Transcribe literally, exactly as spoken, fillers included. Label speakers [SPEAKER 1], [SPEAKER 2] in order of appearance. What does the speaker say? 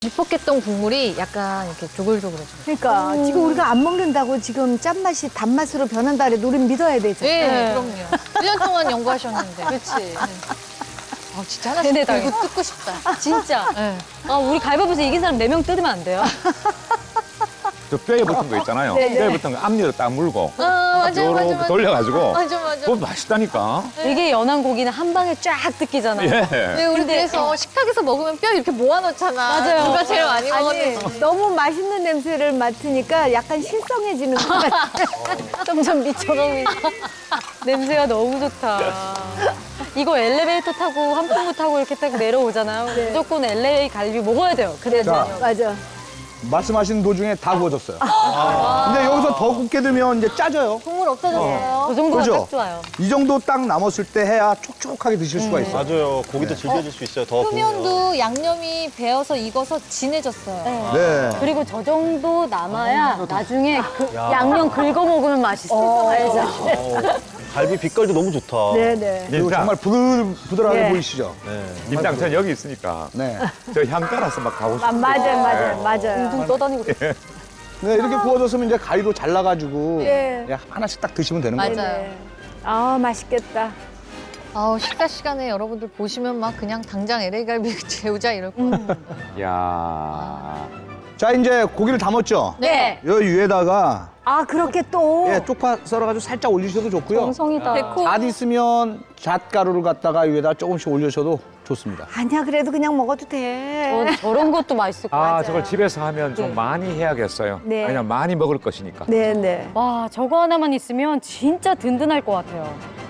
[SPEAKER 1] 지퍽했던 국물이 약간 이렇게 조글조글해져.
[SPEAKER 2] 그러니까
[SPEAKER 1] 음.
[SPEAKER 2] 지금 우리가 안 먹는다고 지금 짠맛이 단맛으로 변한다 그래도 우린 믿어야 되죠.
[SPEAKER 1] 네,
[SPEAKER 3] 네.
[SPEAKER 1] 그럼요. 일 년 동안 연구하셨는데.
[SPEAKER 3] 그렇지.
[SPEAKER 1] 아, 진짜 하나씩
[SPEAKER 3] 네네,
[SPEAKER 1] 들고 뜯고 싶다.
[SPEAKER 3] 진짜.
[SPEAKER 1] 네.
[SPEAKER 3] 아, 우리 가위바위보에서 이긴 사람 네 명 뜯으면 안 돼요?
[SPEAKER 4] 저 뼈에 붙은 거 있잖아요.
[SPEAKER 2] 네네.
[SPEAKER 4] 뼈에 붙은 거 앞니로 딱 물고
[SPEAKER 1] 아, 맞아, 맞아,
[SPEAKER 4] 요렇게
[SPEAKER 1] 맞아.
[SPEAKER 4] 돌려가지고
[SPEAKER 1] 맞아, 맞아.
[SPEAKER 4] 그거 맛있다니까.
[SPEAKER 3] 되게 연한 고기는 한 방에 쫙 뜯기잖아요.
[SPEAKER 4] 예.
[SPEAKER 1] 네, 우리
[SPEAKER 3] 근데-
[SPEAKER 1] 그래서 식탁에서 먹으면 뼈 이렇게 모아놓잖아.
[SPEAKER 3] 맞아요.
[SPEAKER 1] 누가 제일 많이
[SPEAKER 2] 아니
[SPEAKER 1] 먹었는지.
[SPEAKER 2] 너무 맛있는 냄새를 맡으니까 약간 실성해지는 것 같아.
[SPEAKER 3] 점점 미쳐가고 있어. 냄새가 너무 좋다. 이거 엘리베이터 타고 한풍구 타고 이렇게 딱 내려오잖아요. 무조건 엘에이 갈비 먹어야 돼요. 그래
[SPEAKER 5] 자.
[SPEAKER 2] 맞아.
[SPEAKER 5] 말씀하신 도중에 다 구워졌어요. 근데 여기서 더 굽게 되면 이제 짜져요.
[SPEAKER 2] 국물 없어졌어요.
[SPEAKER 3] 그 정도가
[SPEAKER 5] 그죠?
[SPEAKER 3] 딱 좋아요.
[SPEAKER 5] 이 정도 딱 남았을 때 해야 촉촉하게 드실 수가 있어요.
[SPEAKER 6] 맞아요. 고기도 질겨질 수 있어요. 더 구우면.
[SPEAKER 1] 표면도 양념이 배어서 익어서 진해졌어요.
[SPEAKER 5] 네.
[SPEAKER 3] 그리고 저 정도 남아야 나중에 그 양념 긁어 먹으면 맛있어. 알죠?
[SPEAKER 6] 어, 갈비 빛깔도 너무 좋다.
[SPEAKER 2] 네네.
[SPEAKER 5] 그리고
[SPEAKER 4] 진짜.
[SPEAKER 5] 정말 부들, 부들하게
[SPEAKER 2] 네.
[SPEAKER 5] 보이시죠?
[SPEAKER 6] 네.
[SPEAKER 4] 김장 전 여기 있으니까
[SPEAKER 5] 네.
[SPEAKER 4] 저 향 따라서 막 가고
[SPEAKER 2] 아,
[SPEAKER 4] 싶어요.
[SPEAKER 2] 맞아요, 맞아요, 맞아요.
[SPEAKER 3] 둥 떠다니고.
[SPEAKER 5] 네, 이렇게 구워졌으면 이제 가위로 잘라가지고
[SPEAKER 2] 네.
[SPEAKER 5] 그냥 하나씩 딱 드시면 되는 거예요.
[SPEAKER 1] 맞아요.
[SPEAKER 2] 네. 아 맛있겠다.
[SPEAKER 1] 아우, 식사 시간에 여러분들 보시면 막 그냥 당장 엘에이 갈비 재우자 이럴 거 같아요.
[SPEAKER 4] 야.
[SPEAKER 5] 자, 이제 고기를 담았죠?
[SPEAKER 1] 네.
[SPEAKER 5] 여기 위에다가
[SPEAKER 2] 아 그렇게 또.
[SPEAKER 5] 예, 쪽파 썰어가지고 살짝 올리셔도 좋고요.
[SPEAKER 3] 정성이다.
[SPEAKER 1] 데코.
[SPEAKER 5] 잣 있으면 잣가루를 갖다가 위에다 조금씩 올려셔도 좋습니다.
[SPEAKER 2] 아니야 그래도 그냥 먹어도 돼.
[SPEAKER 3] 저, 저런 것도 맛있을 것 같아요.
[SPEAKER 4] 아, 저걸 집에서 하면 좀 많이 해야겠어요.
[SPEAKER 2] 네.
[SPEAKER 4] 왜냐면 많이 먹을 것이니까.
[SPEAKER 2] 네네.
[SPEAKER 3] 와, 저거 하나만 있으면 진짜 든든할 것 같아요.